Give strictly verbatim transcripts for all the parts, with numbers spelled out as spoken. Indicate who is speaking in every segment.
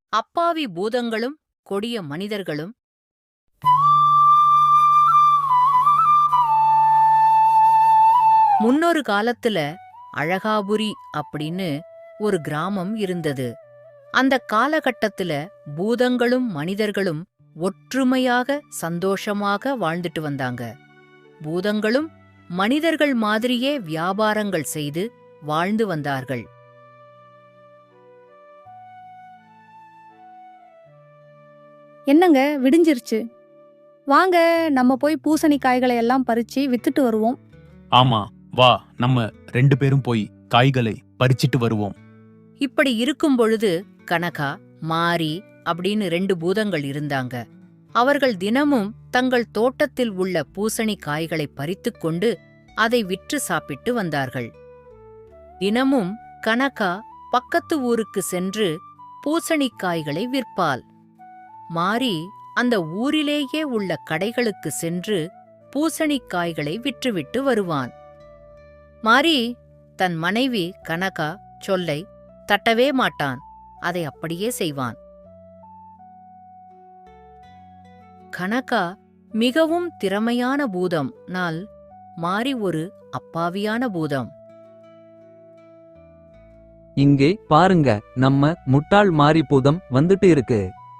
Speaker 1: அப்பாவி பூதங்களும் கொடிய மனிதர்களும். முன்னொரு காலத்துல அழகாபுரி அப்படின்னு ஒரு கிராமம் இருந்தது. அந்த காலகட்டத்துல பூதங்களும் மனிதர்களும் ஒற்றுமையாக சந்தோஷமாக வாழ்ந்துட்டு வந்தாங்க. பூதங்களும் மனிதர்கள் மாதிரியே வியாபாரங்கள் செய்து வாழ்ந்து வந்தார்கள்.
Speaker 2: என்னங்க விடிஞ்சிருச்சு, வாங்க நம்ம போய் பூசணிக்காய்களை எல்லாம் பறிச்சு வித்துட்டு வருவோம்.
Speaker 3: ஆமா, வா, நம்ம ரெண்டு பேரும் போய் காய்களை பறிச்சிட்டு வருவோம்.
Speaker 1: இப்படி இருக்கும் பொழுது கனகா, மாரி அப்படின்னு ரெண்டு பூதங்கள் இருந்தாங்க. அவர்கள் தினமும் தங்கள் தோட்டத்தில் உள்ள பூசணி காய்களை பறித்துக் கொண்டு அதை விற்று சாப்பிட்டு வந்தார்கள். தினமும் கனகா பக்கத்து ஊருக்கு சென்று பூசணிக்காய்களை விற்பாள். மாரி அந்த ஊரிலேயே உள்ள கடைகளுக்கு சென்று பூசணிக்காய்களை விற்றுவிட்டு வருவான். மாரி தன் மனைவி கனகா சொல்லை தட்டவே மாட்டான். அதை அப்படியே செய்வான். கனகா மிகவும் திறமையான பூதம். நாள் மாரி ஒரு அப்பாவியான பூதம்.
Speaker 4: இங்கே பாருங்க, நம்ம முட்டாள் மாரி பூதம் வந்துட்டு இருக்கு.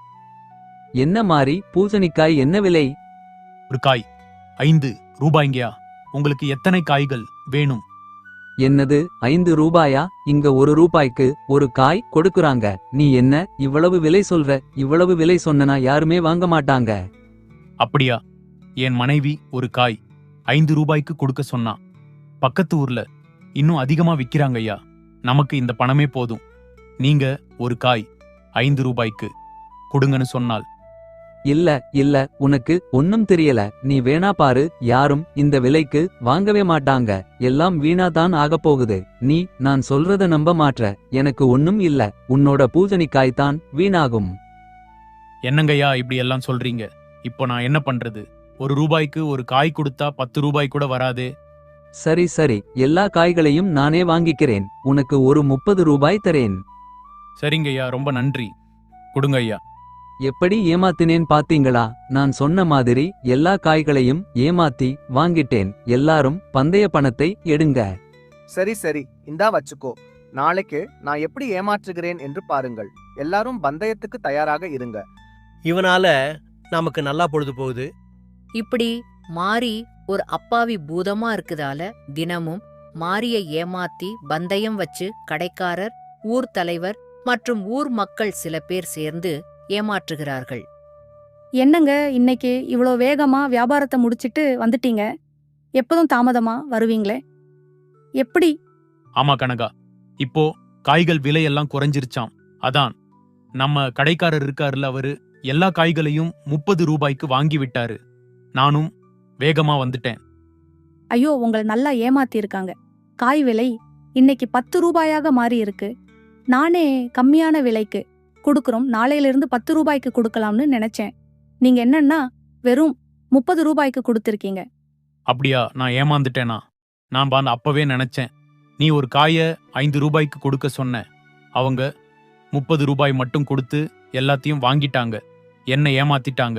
Speaker 4: என்ன மாரி, பூசணிக்காய் என்ன விலை?
Speaker 3: ஒரு காய் ஐந்து ரூபாய்ங்கயா. உங்களுக்கு எத்தனை காய்கள் வேணும்?
Speaker 4: என்னது, ஐந்து ரூபாயா? இங்க ஒரு ரூபாய்க்கு ஒரு காய் கொடுக்குறாங்க. நீ என்ன இவ்வளவு விலை சொல்ற? இவ்வளவு விலை சொன்னனா யாருமே வாங்க மாட்டாங்க.
Speaker 3: அப்படியா? என் மனைவி ஒரு காய் ஐந்து ரூபாய்க்கு கொடுக்க சொன்னா. பக்கத்து ஊர்ல இன்னும் அதிகமா விக்கிறாங்க ஐயா. நமக்கு இந்த பணமே போதும். நீங்க ஒரு காய் ஐந்து ரூபாய்க்கு கொடுங்கன்னு சொன்னால்.
Speaker 4: இல்ல இல்ல, உனக்கு ஒன்னும் தெரியல. நீ வேணா பாரு, யாரும் இந்த விலைக்கு வாங்கவே மாட்டாங்க. எல்லாம் வீணா தான் ஆகப் போகுது. நீ நான் சொல்றத நம்ப மாட்ற. எனக்கு ஒன்னும் இல்ல. உன்னோட பூசணிக்காய் தான் வீணாகும்.
Speaker 3: என்னங்கய்யா இப்படி எல்லாம் சொல்றீங்க? இப்போ நான் என்ன பண்றது? ஒரு ரூபாய்க்கு ஒரு காய் கொடுத்தா பத்து ரூபாய் கூட வராதே.
Speaker 4: சரி சரி, எல்லா காய்களையும் நானே வாங்கிக்கிறேன். உனக்கு ஒரு முப்பது ரூபாய் தரேன்.
Speaker 3: சரிங்கய்யா, ரொம்ப நன்றி. கொடுங்க ஐயா.
Speaker 4: எப்படி ஏமாத்தினேன் பாத்தீங்களா? நான் சொன்ன மாதிரி எல்லா காய்களையும் ஏமாத்தி வாங்கிட்டேன். எல்லாரும் பந்தய பணத்தை எடுங்க.
Speaker 5: சரி சரி, இந்தா வச்சுக்கோ. நாளைக்கு நான் எப்படி ஏமாற்றுகிறேன் என்று பாருங்கள். எல்லாரும் பந்தயத்துக்கு தயாராக இருங்க.
Speaker 6: இவனால நமக்கு நல்லா பொழுது போகுது.
Speaker 1: இப்படி மாரி ஒரு அப்பாவி பூதமா இருக்குதால தினமும் மாரியை ஏமாத்தி பந்தயம் வச்சு கடைக்காரர், ஊர் தலைவர் மற்றும் ஊர் மக்கள் சில பேர் சேர்ந்து ஏமாற்றுகிறார்கள்.
Speaker 2: என்னங்க இன்னைக்கு இவ்வளோ வேகமா வியாபாரத்தை முடிச்சிட்டு வந்துட்டீங்க? எப்போதும் தாமதமா வருவீங்களே, எப்படி?
Speaker 3: ஆமா கனகா, இப்போ காய்கள் விலையெல்லாம் குறைஞ்சிருச்சாம். அதான் நம்ம கடைக்காரர் இருக்காருல, அவரு எல்லா காய்களையும் முப்பது ரூபாய்க்கு வாங்கி விட்டாரு. நானும் வேகமா வந்துட்டேன்.
Speaker 2: ஐயோ, உங்களை நல்லா ஏமாத்தி இருக்காங்க. காய் விலை இன்னைக்கு பத்து ரூபாயாக மாறி இருக்கு. நானே கம்மியான விலைக்கு கொடுக்குறோம், நாளையிலிருந்து பத்து ரூபாய்க்கு கொடுக்கலாம்னு நினைச்சேன். நீங்க என்னன்னா வெறும் முப்பது ரூபாய்க்கு கொடுத்திருக்கீங்க.
Speaker 3: அப்படியா? நான் ஏமாந்துட்டேனா? நான் பாந்து அப்பவே நினைச்சேன். நீ ஒரு காய ஐந்து ரூபாய்க்கு கொடுக்க சொன்ன. அவங்க முப்பது ரூபாய் மட்டும் கொடுத்து எல்லாத்தையும் வாங்கிட்டாங்க. என்ன ஏமாத்திட்டாங்க.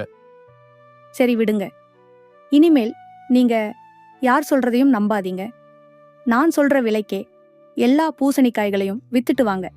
Speaker 2: சரி விடுங்க. இனிமேல் நீங்க யார் சொல்றதையும் நம்பாதீங்க. நான் சொல்ற விலைக்கே எல்லா பூசணிக்காய்களையும் வித்துட்டு வாங்க.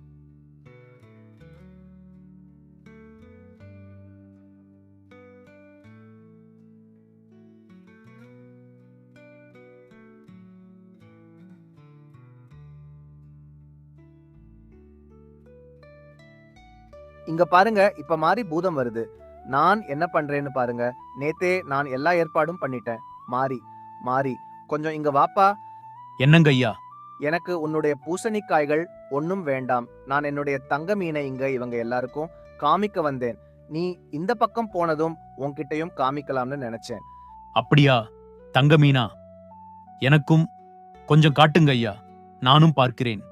Speaker 5: இங்க பாருங்க, இப்ப மாறி பூதம் வருது. நான் என்ன பண்றேன்னு பாருங்க. நேத்தே நான் எல்லா ஏற்பாடும் பண்ணிட்டேன். மாறி மாறி கொஞ்சம் இங்க வாப்பா.
Speaker 3: என்னங்க ஐயா?
Speaker 5: எனக்கு உன்னுடைய பூசணிக்காய்கள் ஒன்னும் வேண்டாம். நான் என்னுடைய தங்க மீனை இங்க இவங்க எல்லாருக்கும் காமிக்க வந்தேன். நீ இந்த பக்கம் போனதும் உன்கிட்டயும் காமிக்கலாம்னு நினைச்சேன்.
Speaker 3: அப்படியா? தங்க மீனா? எனக்கும் கொஞ்சம் காட்டுங்க ஐயா, நானும் பார்க்கிறேன்.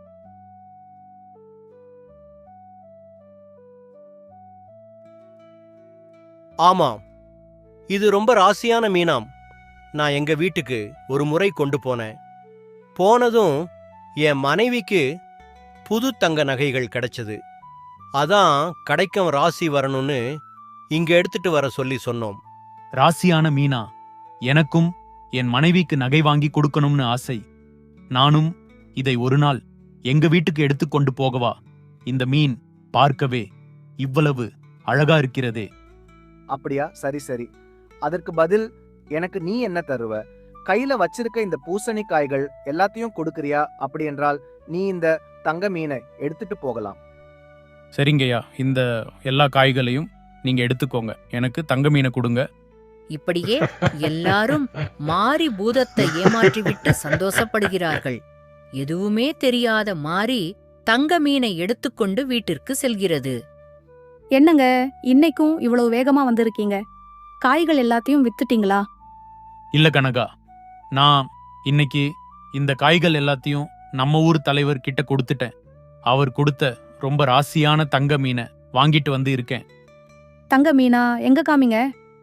Speaker 6: ஆமாம், இது ரொம்ப ராசியான மீனாம். நான் எங்க வீட்டுக்கு ஒரு முறை கொண்டு போனேன். போனதும் என் மனைவிக்கு புது தங்க நகைகள் கிடைச்சது. அதான் கடைக்கும் ராசி வரணும்னு இங்க எடுத்துட்டு வர சொல்லி சொன்னோம்.
Speaker 3: ராசியான மீனா, எனக்கும் என் மனைவிக்கு நகை வாங்கி கொடுக்கணும்னு ஆசை. நானும் இதை ஒரு நாள் எங்க வீட்டுக்கு எடுத்துக்கொண்டு போகவா? இந்த மீன் பார்க்கவே இவ்வளவு அழகா இருக்கிறதே.
Speaker 5: அப்படியா? சரி சரி. அதற்கு பதில் எனக்கு நீ என்ன தருவ? கையில வச்சிருக்க இந்த பூசணிக்காய்கள் எல்லாத்தையும் கொடுக்கறியா? அப்படி என்றால் நீ இந்த தங்க மீனை எடுத்துட்டு போகலாம்.
Speaker 3: சரிங்கய்யா, இந்த எல்லா காய்களையும் நீங்க எடுத்துக்கோங்க. எனக்கு தங்க மீனை கொடுங்க.
Speaker 1: இப்படியே எல்லாரும் மாரி பூதத்தை ஏமாற்றிவிட்டு சந்தோஷப்படுகிறார்கள். எதுவுமே தெரியாத மாரி தங்க மீனை எடுத்துக்கொண்டு வீட்டிற்கு செல்கிறது.
Speaker 2: என்னங்க, இன்னைக்கும் இவ்வளவு வேகமா வந்திருக்கீங்க? காய்கள் எல்லாத்தையும் வித்துட்டீங்களா?
Speaker 3: இல்ல கனகா, நான் இன்னைக்கு இந்த காய்கள் எல்லாத்தையும் நம்ம ஊர் தலைவர் கிட்ட கொடுத்துட்டேன். அவர் கொடுத்த ரொம்ப ராசியான தங்க மீனை வாங்கிட்டு வந்து இருக்கேன்.
Speaker 2: தங்க மீனா? எங்க காமிங்க.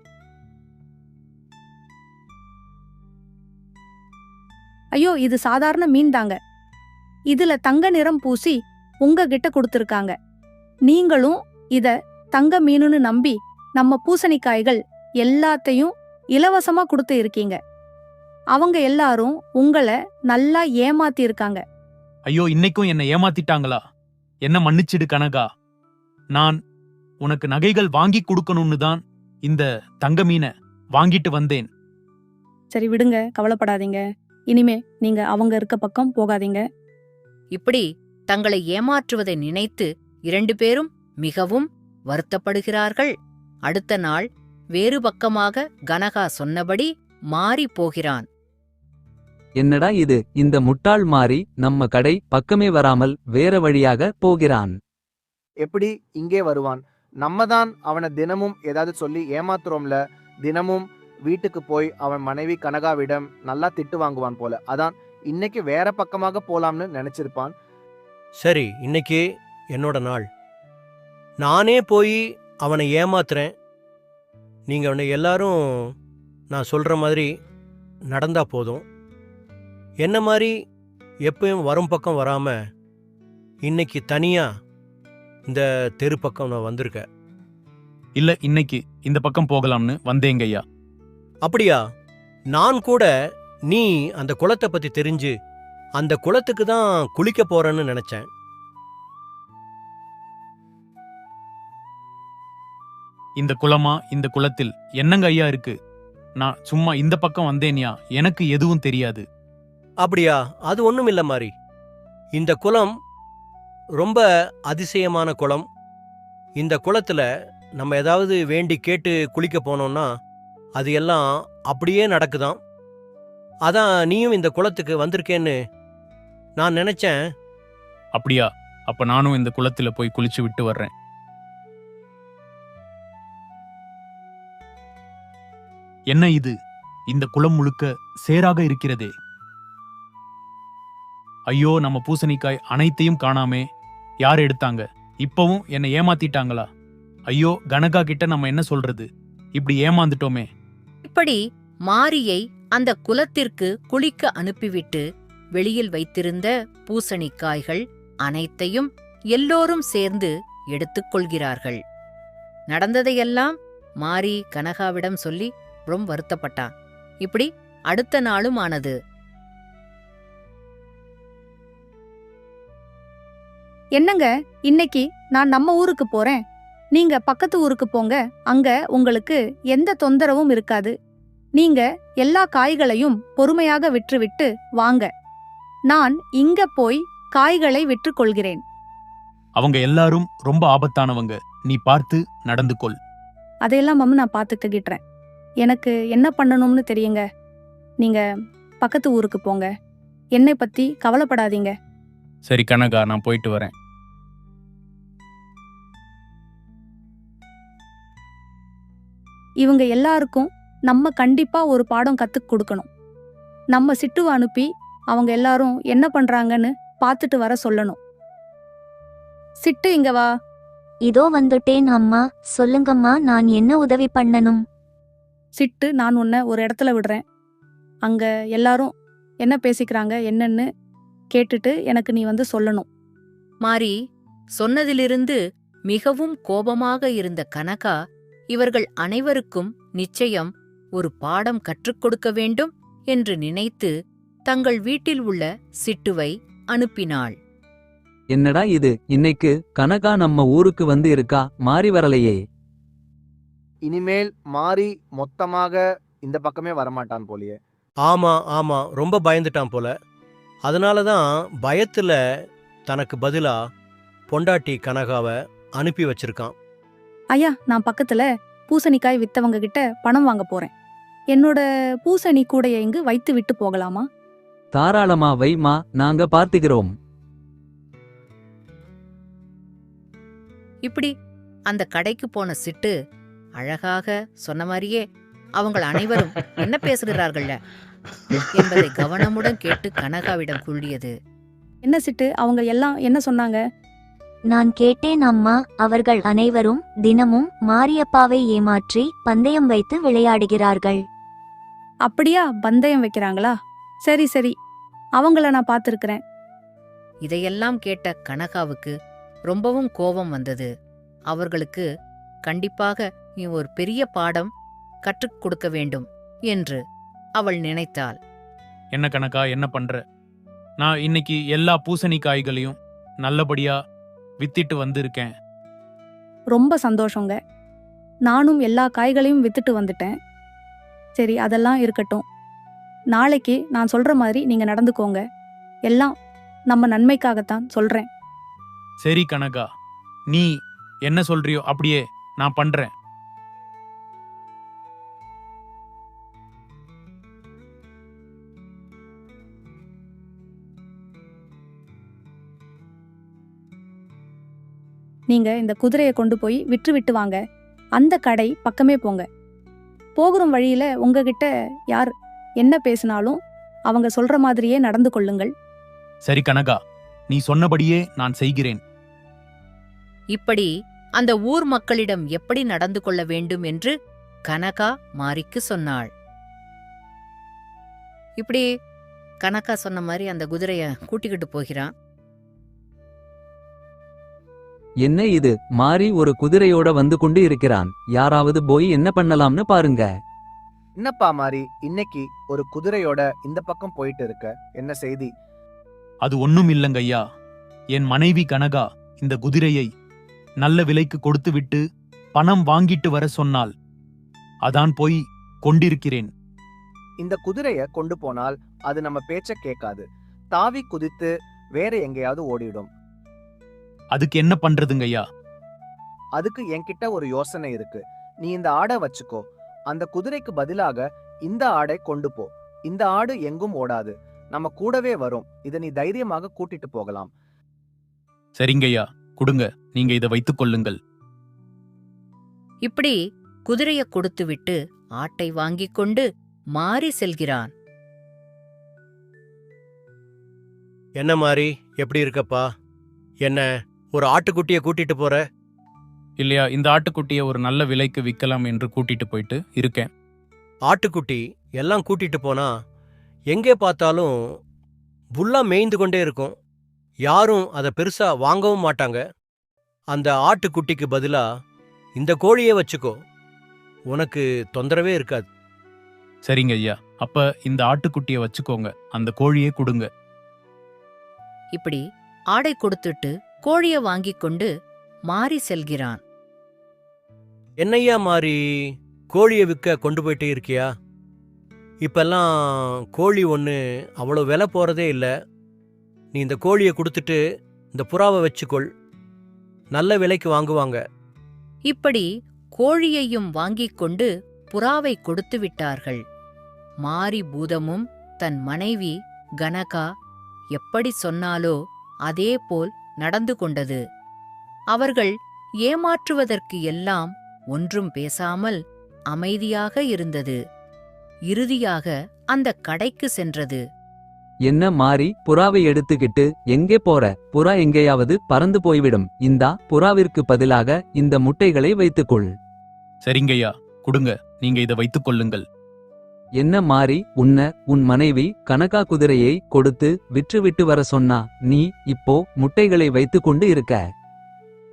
Speaker 2: ஐயோ, இது சாதாரண மீன் தாங்க. இதுல தங்க நிறம் பூசி உங்ககிட்ட கொடுத்திருக்காங்க. நீங்களும் இத தங்க மீனுன்னு நம்பி நம்ம பூசணிக்காய்கள் எல்லாத்தையும் இலவசமா கொடுத்து இருக்கீங்க. அவங்க எல்லாரும் உங்களை நல்லா ஏமாத்தி இருக்காங்க.
Speaker 3: ஐயோ, இன்னைக்கும் என்னை ஏமாத்திட்டாங்களா? என்ன மன்னிச்சிடு கனகா. நான் உனக்கு நகைகள் வாங்கி கொடுக்கணும்னு தான் இந்த தங்க மீனை வாங்கிட்டு வந்தேன்.
Speaker 2: சரி விடுங்க, கவலைப்படாதீங்க. இனிமே நீங்க அவங்க இருக்க பக்கம் போகாதீங்க.
Speaker 1: இப்படி தங்களை ஏமாற்றுவதை நினைத்து இரண்டு பேரும் மிகவும் வருத்தப்படுகிறார்கள். அடுத்த நாள் வேறு பக்கமாக கனகா சொன்னபடி மாறி போகிறான்.
Speaker 4: என்னடா இது, இந்த முட்டாள் மாறி நம்ம கடை பக்கமே வராமல் வேற வழியாக போகிறான்.
Speaker 5: எப்படி இங்கே வருவான்? நம்ம தான் அவனை தினமும் ஏதாவது சொல்லி ஏமாத்துறோம்ல. தினமும் வீட்டுக்கு போய் அவன் மனைவி கனகாவிடம் நல்லா திட்டு வாங்குவான் போல. அதான் இன்னைக்கு வேற பக்கமாக போலாம்னு நினைச்சிருப்பான்.
Speaker 6: சரி, இன்னைக்கு என்னோட நாள். நானே போய் அவனை ஏமாத்துறேன். நீங்க அவனை எல்லாரும் நான் சொல்ற மாதிரி நடந்தா போதும். என்ன மாதிரி எப்பயும் வரும் பக்கம் வராம இன்னைக்கு தனியா இந்த தெரு பக்கம் நான் வந்திருக்கேன்.
Speaker 3: இல்ல, இன்னைக்கு இந்த பக்கம் போகலாம்னு வந்தேங்கய்யா.
Speaker 6: அப்படியா? நான் கூட நீ அந்த குளத்தை பத்தி தெரிஞ்சு அந்த குளத்துக்கு தான் குளிக்க போறேன்னு நினைச்சேன்.
Speaker 3: இந்த குளமா? இந்த குளத்தில் என்னங்க ஐயா இருக்கு? நான் சும்மா இந்த பக்கம் வந்தேன்யா, எனக்கு எதுவும் தெரியாது.
Speaker 6: அப்படியா? அது ஒண்ணும் இல்ல மாதிரி. இந்த குளம் ரொம்ப அதிசயமான குளம். இந்த குளத்துல நம்ம ஏதாவது வேண்டி கேட்டு குளிக்க போனோம்னா அது எல்லாம் அப்படியே நடக்குதாம். அதான் நீயும் இந்த குளத்துக்கு வந்திருக்கேன்னு நான் நினைச்சேன்.
Speaker 3: அப்படியா? அப்ப நானும் இந்த குளத்துல போய் குளிச்சு விட்டு வர்றேன். என்ன இது? இந்த குளம் முழுக்க சேராக இருக்கிறதே. ஐயோ, நம்ம பூசணிக்காய் அனைத்தையும் காணாமே. யார் எடுத்தாங்க? இப்பவும் என்னை ஏமாத்திட்டாங்களா? ஐயோ, கனகா கிட்ட நம்ம என்ன சொல்றது? இப்படி ஏமாந்துட்டோமே.
Speaker 1: இப்படி மாரியை அந்த குலத்திற்கு குளிக்க அனுப்பிவிட்டு வெளியில் வைத்திருந்த பூசணிக்காய்கள் அனைத்தையும் எல்லோரும் சேர்ந்து எடுத்துக்கொள்கிறார்கள். நடந்ததையெல்லாம் மாரி கனகாவிடம் சொல்லி ரொம்ப வருத்தப்பட்டான். இப்படி அடுத்த நாளும் ஆனது.
Speaker 2: என்னங்க, இன்னைக்கு நான் நம்ம ஊருக்கு போறேன், நீங்க பக்கத்து ஊருக்கு போங்க. அங்க உங்களுக்கு எந்த தொந்தரவும் இருக்காது. நீங்க எல்லா காய்களையும் பொறுமையாக விற்றுவிட்டு வாங்க. நான் இங்க போய் காய்களை விற்றுக் கொள்கிறேன்.
Speaker 3: அவங்க எல்லாரும் ரொம்ப ஆபத்தானவங்க. நீ பார்த்து நடந்து கொள்.
Speaker 2: அதையெல்லாம் மம்மு நான் பார்த்துக்கிட்டுறேன். எனக்கு என்ன பண்ணணும்னு தெரியுங்க. நீங்க பக்கத்து ஊருக்கு போங்க. என்னை பத்தி கவலைப்படாதீங்க.
Speaker 3: சரி கனகா, நான் போயிட்டு வரேன்.
Speaker 2: இவங்க எல்லாருக்கும் நம்ம கண்டிப்பா ஒரு பாடம் கத்துக் கொடுக்கணும். நம்ம சிட்டுவை அனுப்பி அவங்க எல்லாரும் என்ன பண்றாங்கன்னு பார்த்துட்டு வர சொல்லணும். சிட்டு, இங்க வா.
Speaker 7: இதோ வந்துட்டேன் அம்மா. சொல்லுங்கம்மா, நான் என்ன உதவி பண்ணணும்?
Speaker 2: சிட்டு, நான் உன்னை ஒரு இடத்துல விடுறேன். அங்க எல்லாரும் என்ன பேசிக்கிறாங்க என்னன்னு கேட்டுட்டு எனக்கு நீ வந்து சொல்லணும்.
Speaker 1: மாரி சொன்னதிலிருந்து மிகவும் கோபமாக இருந்த கனகா இவர்கள் அனைவருக்கும் நிச்சயம் ஒரு பாடம் கற்றுக் கொடுக்க வேண்டும் என்று நினைத்து தங்கள் வீட்டில் உள்ள சிட்டுவை அனுப்பினாள்.
Speaker 4: என்னடா இது, இன்னைக்கு கனகா நம்ம ஊருக்கு வந்து இருக்கா, மாறி வரலையே.
Speaker 5: இனிமேல் மாறி மொத்தமாக இந்த பக்கமே வரமாட்டான் போலியே.
Speaker 6: ஆமா ஆமா ரொம்ப பயந்துட்டான் போல. அதனால தான் பயத்துல தனக்கு பதிலா பொண்டாட்டி கனகாவை அனுப்பி வச்சிருக்கான்.
Speaker 2: ஐயா, நான் பக்கத்துல பூசணிக்காய் வித்தவங்க கிட்ட பணம் வாங்க போறேன். என்னோட பூசணி கூடைய இங்கு வைத்து விட்டு போகலாமா?
Speaker 4: தாராளமா வைமா, நாங்க பார்த்துக்கிறோம்.
Speaker 1: இப்படி அந்த கடைக்கு போன சிட்டு அழகாக சொன்ன மாதிரியே அவங்கள் அனைவரும் என்ன பேசுகிறார்கள்ல என்பதை கவனமுடன் கேட்டு கனகாவிடம் கூறியது.
Speaker 2: என்ன சிட்டு, அவங்க எல்லாம் என்ன சொன்னாங்க?
Speaker 7: நான் கேட்டேன் அம்மா. அவர்கள் அனைவரும் தினமும் மாரியப்பாவை ஏமாற்றி பந்தயம் வைத்து விளையாடுகிறார்கள்.
Speaker 2: அப்படியா, பந்தயம் வைக்கிறாங்களா? சரி சரி, அவங்கள நான் பார்த்திருக்கிறேன்.
Speaker 1: இதையெல்லாம் கேட்ட கனகாவுக்கு ரொம்பவும் கோபம் வந்தது. அவர்களுக்கு கண்டிப்பாக நீ ஒரு பெரிய பாடம் கற்றுக் கொடுக்க வேண்டும் என்று அவள் நினைத்தாள்.
Speaker 3: என்ன கணக்கா, என்ன பண்ற? நான் இன்னைக்கு எல்லா பூசணிக்காய்களையும் நல்லபடியா வித்திட்டு வந்திருக்கேன்.
Speaker 2: ரொம்ப சந்தோஷங்க. நானும் எல்லா காய்களையும் வித்துட்டு வந்துட்டேன். சரி, அதெல்லாம் இருக்கட்டும். நாளைக்கு நான் சொல்ற மாதிரி நீங்க நடந்துக்கோங்க. எல்லாம் நம்ம நன்மைக்காகத்தான் சொல்றேன்.
Speaker 3: சரி கனகா, நீ என்ன சொல்றியோ அப்படியே நான் பண்றேன்.
Speaker 2: நீங்க இந்த குதிரையை கொண்டு போய் விற்று விட்டு வாங்க. அந்த கடை பக்கமே போங்க. போகிற வழியில உங்ககிட்ட யார் என்ன பேசினாலும் அவங்க சொல்ற மாதிரியே நடந்து கொள்ளுங்கள்.
Speaker 3: சரி கனகா, நீ சொன்னபடியே நான் செய்கிறேன்.
Speaker 1: இப்படி அந்த ஊர் மக்களிடம் எப்படி நடந்து கொள்ள வேண்டும் என்று கனகா மாரிக்கு சொன்னாள். இப்படி கனகா சொன்ன மாதிரி அந்த குதிரைய கூட்டிக்கிட்டு போகிறான்.
Speaker 4: என்ன இது, மாறி ஒரு குதிரையோட வந்து கொண்டு இருக்கிறான். யாராவது போய் என்ன பண்ணலாம்னு பாருங்க.
Speaker 5: என்னப்பா மாறி, இன்னைக்கு ஒரு குதிரையோட இந்த பக்கம் போயிட்டு இருக்க, என்ன செய்தி?
Speaker 3: அது ஒண்ணும் இல்லங்கய்யா. என் மனைவி கனகா இந்த குதிரையை நல்ல விலைக்கு கொடுத்து விட்டு பணம் வாங்கிட்டு வர சொன்னாள். அதான் போய் கொண்டிருக்கிறேன்.
Speaker 5: இந்த குதிரைய கொண்டு போனால் அது நம்ம பேச்ச கேட்காது. தாவி குதித்து வேற எங்கேயாவது ஓடிடும்.
Speaker 3: அதுக்கு என்ன பண்றதுங்கய்யா?
Speaker 5: அதுக்கு என்கிட்ட ஒரு யோசனை இருக்கு. நீ இந்த ஆடை வச்சுக்கோ. அந்த குதிரைக்கு பதிலாக இந்த ஆடை கொண்டு போ. இந்த ஆடு எங்கும் ஓடாது, நம்ம கூடவே வரும். இதை நீ தைரியமாக கூட்டிட்டு போகலாம்.
Speaker 3: சரிங்கய்யா, கொடுங்க, நீங்க இதை வைத்துக் கொள்ளுங்கள்.
Speaker 1: இப்படி குதிரைய கொடுத்துவிட்டு ஆட்டை வாங்கிக் கொண்டு மாறி செல்கிறான்.
Speaker 6: என்ன மாதிரி, எப்படி இருக்கப்பா? என்ன ஒரு ஆட்டுக்குட்டியை கூட்டிட்டு போற?
Speaker 3: இல்லையா, இந்த ஆட்டுக்குட்டியை ஒரு நல்ல விலைக்கு விற்கலாம் என்று கூட்டிட்டு போயிட்டு இருக்கேன்.
Speaker 6: ஆட்டுக்குட்டி எல்லாம் கூட்டிட்டு போனா எங்கே பார்த்தாலும் புல்லா மேய்ந்து கொண்டே இருக்கும். யாரும் அதை பெருசா வாங்கவும் மாட்டாங்க. அந்த ஆட்டுக்குட்டிக்கு பதிலா இந்த கோழியே வச்சுக்கோ, உனக்கு தொந்தரவே இருக்காது.
Speaker 3: சரிங்க ஐயா, அப்ப இந்த ஆட்டுக்குட்டியை வச்சுக்கோங்க, அந்த கோழியே கொடுங்க.
Speaker 1: இப்படி ஆடை கொடுத்துட்டு கோழிய வாங்கிக் கொண்டு மாறி செல்கிறான்.
Speaker 6: என்னையா மாறி, கோழியை விற்க கொண்டு போயிட்டே இருக்கியா? இப்பெல்லாம் கோழி ஒன்று அவ்வளோ விலை போகிறதே இல்லை. நீ இந்த கோழியை கொடுத்துட்டு இந்த புறாவை வச்சுக்கொள், நல்ல விலைக்கு வாங்குவாங்க.
Speaker 1: இப்படி கோழியையும் வாங்கிக் கொண்டு புறாவை கொடுத்து விட்டார்கள். மாரி பூதமும் தன் மனைவி கனகா எப்படி சொன்னாலோ அதேபோல் நடந்து கொண்டது. அவர்கள் ஏமாற்றுவதற்கு எல்லாம் ஒன்றும் பேசாமல் அமைதியாக இருந்தது. இறுதியாக அந்த கடைக்கு சென்றது.
Speaker 4: என்ன மாறி, புறாவை எடுத்துக்கிட்டு எங்கே போற? புறா எங்கேயாவது பறந்து போய்விடும். இந்தா, புறாவிற்கு பதிலாக இந்த முட்டைகளை வைத்துக்கொள்.
Speaker 3: சரிங்கய்யா, கொடுங்க, நீங்க இதை வைத்துக் கொள்ளுங்கள்.
Speaker 4: என்ன மாறி, உன்ன உன் மனைவி கனகா குதிரையை கொடுத்து விற்று விட்டு வர சொன்னா, நீ இப்போ முட்டைகளை வைத்து கொண்டு இருக்க?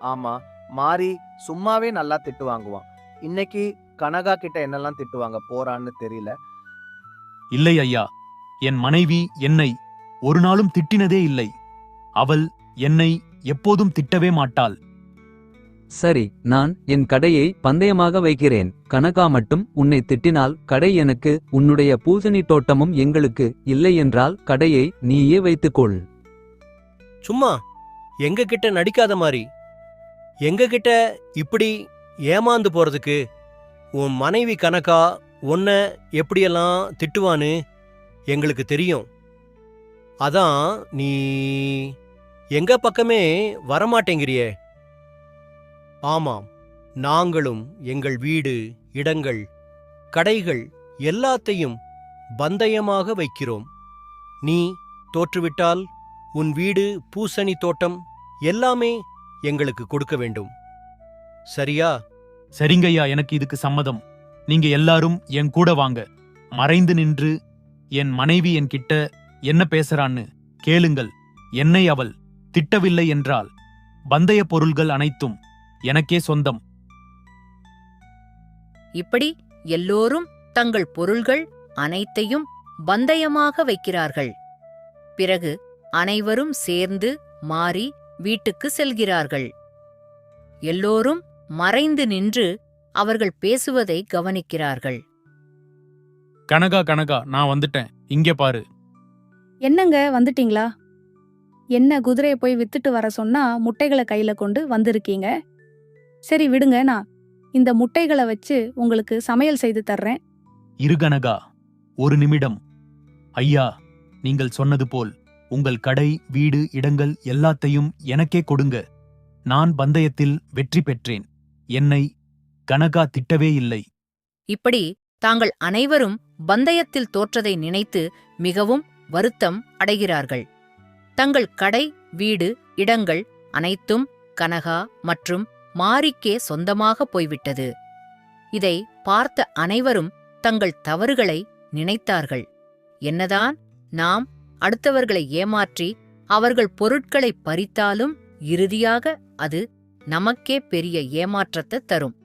Speaker 5: ஆமா, மாறி சும்மாவே நல்லா திட்டு வாங்குவான். இன்னைக்கு கனகா கிட்ட என்னெல்லாம் திட்டுவாங்க போறான்னு தெரியல.
Speaker 3: இல்லை ஐயா, என் மனைவி என்னை ஒரு நாளும் திட்டினதே இல்லை. அவள் என்னை எப்போதும் திட்டவே மாட்டாள்.
Speaker 4: சரி, நான் என் கடையை பந்தயமாக வைக்கிறேன். கனகா மட்டும் உன்னை திட்டினால் கடை எனக்கு, உன்னுடைய பூசணி தோட்டமும் எங்களுக்கு. இல்லை என்றால் கடையை நீயே வைத்துக்கொள்.
Speaker 6: சும்மா எங்க கிட்ட நடிக்காத மாதிரி. எங்க கிட்ட இப்படி ஏமாந்து போறதுக்கு உன் மனைவி கனகா உன்னை எப்படியெல்லாம் திட்டுவான்னு எங்களுக்கு தெரியும். அதான் நீ எங்க பக்கமே வரமாட்டேங்கிறியே. ஆமாம், நாங்களும் எங்கள் வீடு, இடங்கள், கடைகள் எல்லாத்தையும் பந்தயமாக வைக்கிறோம். நீ தோற்றுவிட்டால் உன் வீடு, பூசணி தோட்டம் எல்லாமே எங்களுக்கு கொடுக்க வேண்டும். சரியா?
Speaker 3: சரிங்கய்யா, எனக்கு இதுக்கு சம்மதம். நீங்க எல்லாரும் என் கூட வாங்க. மறைந்து நின்று என் மனைவி என்கிட்ட என்ன பேசுறான்னு கேளுங்கள். என்னை அவள் திட்டவில்லை என்றால் பந்தய பொருள்கள் அனைத்தும் எனக்கே சொந்தம்.
Speaker 1: இப்படி எல்லோரும் தங்கள் பொருள்கள் அனைத்தையும் பந்தயமாக வைக்கிறார்கள். பிறகு அனைவரும் சேர்ந்து மாறி வீட்டுக்கு செல்கிறார்கள். எல்லோரும் மறைந்து நின்று அவர்கள் பேசுவதை கவனிக்கிறார்கள்.
Speaker 3: கனகா கனகா, நான் வந்துட்டேன். இங்கே பாரு.
Speaker 2: என்னங்க வந்துட்டீங்களா? என்ன குதிரையை போய் வித்துட்டு வர சொன்னா முட்டைகளை கையில கொண்டு வந்திருக்கீங்க. சரி விடுங்க, நான் இந்த முட்டைகளை வச்சு உங்களுக்கு சமையல் செய்து தர்றேன்.
Speaker 3: இரு கனகா, ஒரு நிமிடம். ஐயா, நீங்கள் சொன்னது போல் உங்கள் கடை, வீடு, இடங்கள் எல்லாத்தையும் எனக்கே கொடுங்க. நான் பந்தயத்தில் வெற்றி பெற்றேன். என்னை கனகா திட்டவே இல்லை.
Speaker 1: இப்படி தாங்கள் அனைவரும் பந்தயத்தில் தோற்றதை நினைத்து மிகவும் வருத்தம் அடைகிறார்கள். தங்கள் கடை, வீடு, இடங்கள் அனைத்தும் கனகா மற்றும் மாரிக்கே சொந்தமாக போய்விட்டது. இதை பார்த்த அனைவரும் தங்கள் தவறுகளை நினைத்தார்கள். என்னதான் நாம் அடுத்தவர்களை ஏமாற்றி அவர்கள் பொருட்களை பறித்தாலும் இறுதியாக அது நமக்கே பெரிய ஏமாற்றத்தை தரும்.